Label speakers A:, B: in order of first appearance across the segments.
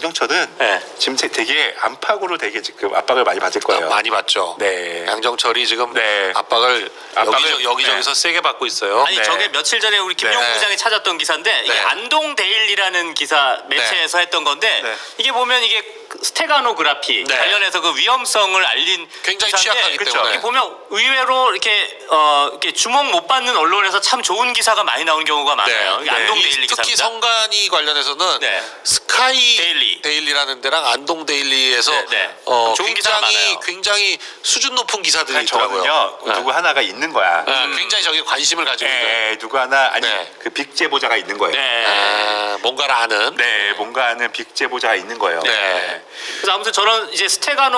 A: 양정철은
B: 네.
A: 지금 되게 안팎으로 되게 지금 압박을 많이 받을 거예요.
C: 많이 받죠.
A: 네.
C: 양정철이 지금
A: 네.
C: 압박을 여기저기서
A: 네.
C: 세게 받고 있어요.
B: 아니
A: 네.
B: 저게 며칠 전에 우리 김용구
C: 네.
B: 부장이 찾았던 기사인데 이게
C: 네.
B: 안동 데일리라는 기사 매체에서 했던 건데
A: 네.
B: 이게 보면 이게 스테가노그라피
C: 네.
B: 관련해서 그 위험성을 알린
C: 굉장히
B: 기사인데
C: 취약하기
A: 그쵸.
C: 때문에.
B: 이게 보면 의외로 이렇게 주목 못 받는 언론에서 참 좋은 기사가 많이 나오는 경우가 많아요. 이게 안동
C: 이
B: 데일리
C: 특히
B: 기사입니다.
C: 성간이 관련해서는
B: 네.
C: 스카이
B: 데일리.
C: 데일리라는 데랑 안동 데일리에서
B: 네, 네. 좋은 기사가 많아요.
C: 굉장히 수준 높은 기사들이 있더라고요.
A: 저는요 누구 하나가 있는 거야.
C: 굉장히 저기 관심을 가지고 있는.
A: 누구 하나 아니
C: 네.
A: 그 빅 제보자가 있는 거예요.
B: 네.
C: 뭔가를 아는.
A: 네, 뭔가 하는 빅 제보자가 있는 거예요.
C: 네.
B: 그래서 아무튼 저는 이제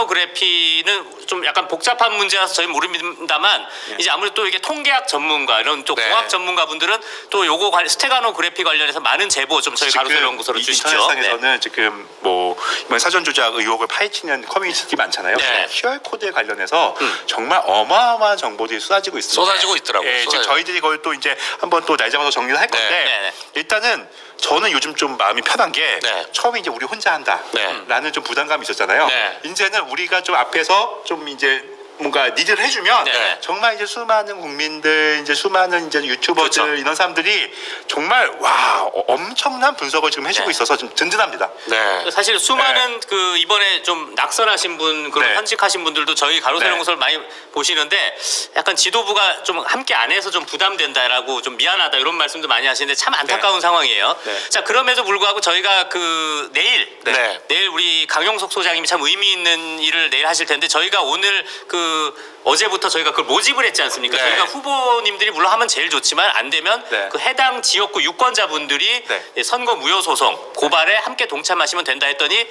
B: 스테가노그래피는 좀 약간 복잡한 문제라서 저희 모릅니다만 이제 아무래도 또 이게 통계학 전문가 이런 또
C: 네.
B: 공학 전문가분들은 또 요거 스테가노그래피 관련해서 많은 제보 좀 저희 가로세 연구소로 주시죠.
A: 인터넷상에서는 지금 뭐 이번 사전 조작 의혹을 파헤치는 커뮤니티 많잖아요.
B: 네.
A: QR 코드에 관련해서 정말 어마어마한 정보들이 쏟아지고 있습니다.
C: 쏟아지고 있더라고요.
A: 예, 지금
C: 쏟아지고.
A: 저희들이 그걸 또 이제 한번 또 날 잡아서 정리를 할 건데
B: 네, 네.
A: 일단은 저는 요즘 좀 마음이 편한 게
C: 네.
A: 처음에 이제 우리 혼자 한다라는
C: 네.
A: 좀 부담감이 있었잖아요.
C: 네.
A: 이제는 우리가 좀 앞에서 좀 이제 뭔가 리드를 해주면
B: 네.
A: 정말 이제 수많은 국민들 이제 수많은 이제 유튜버들
B: 그렇죠.
A: 이런 사람들이 정말 와 엄청난 분석을 지금 해주고
B: 네.
A: 있어서 좀 든든합니다.
C: 네.
B: 사실 수많은 그 이번에 좀 낙선하신 분 그런
A: 네.
B: 현직하신 분들도 저희 가로세
A: 네.
B: 연구소를 많이 보시는데 약간 지도부가 좀 함께 안 해서 좀 부담된다라고 좀 미안하다 이런 말씀도 많이 하시는데 참 안타까운 상황이에요.
A: 네.
B: 자 그럼에도 불구하고 저희가 그 내일 우리 강용석 소장님이 참 의미 있는 일을 내일 하실 텐데 저희가 오늘 그 어제부터 저희가 그걸 모집을 했지 않습니까?
C: 네.
B: 저희가 후보님들이 물론 하면 제일 좋지만 안 되면
A: 네.
B: 그 해당 지역구 유권자분들이
A: 네.
B: 선거 무효 소송 고발에 함께 동참하시면 된다 했더니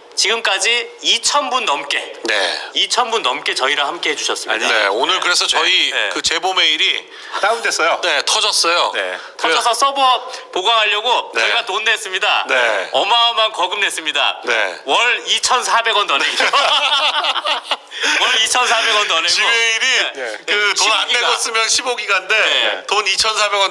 B: 지금까지 2,000분 넘게
C: 네.
B: 2,000분 넘게 저희랑 함께 해주셨습니다.
C: 네. 오늘 그래서 저희
B: 네.
C: 그 제보 메일이
A: 다운됐어요.
C: 터졌어요.
A: 네.
B: 터져서 서버 보강하려고
C: 네.
B: 저희가 돈 냈습니다.
C: 네.
B: 어마어마한 거금 냈습니다.
C: 네.
B: 월 2,400원 더 내기로. 월 2,400원 더 내고.
C: 지메일이
A: 네.
C: 그 돈 안
B: 15기가.
C: 내고 쓰면 15기가인데
B: 네.
C: 돈 2,400원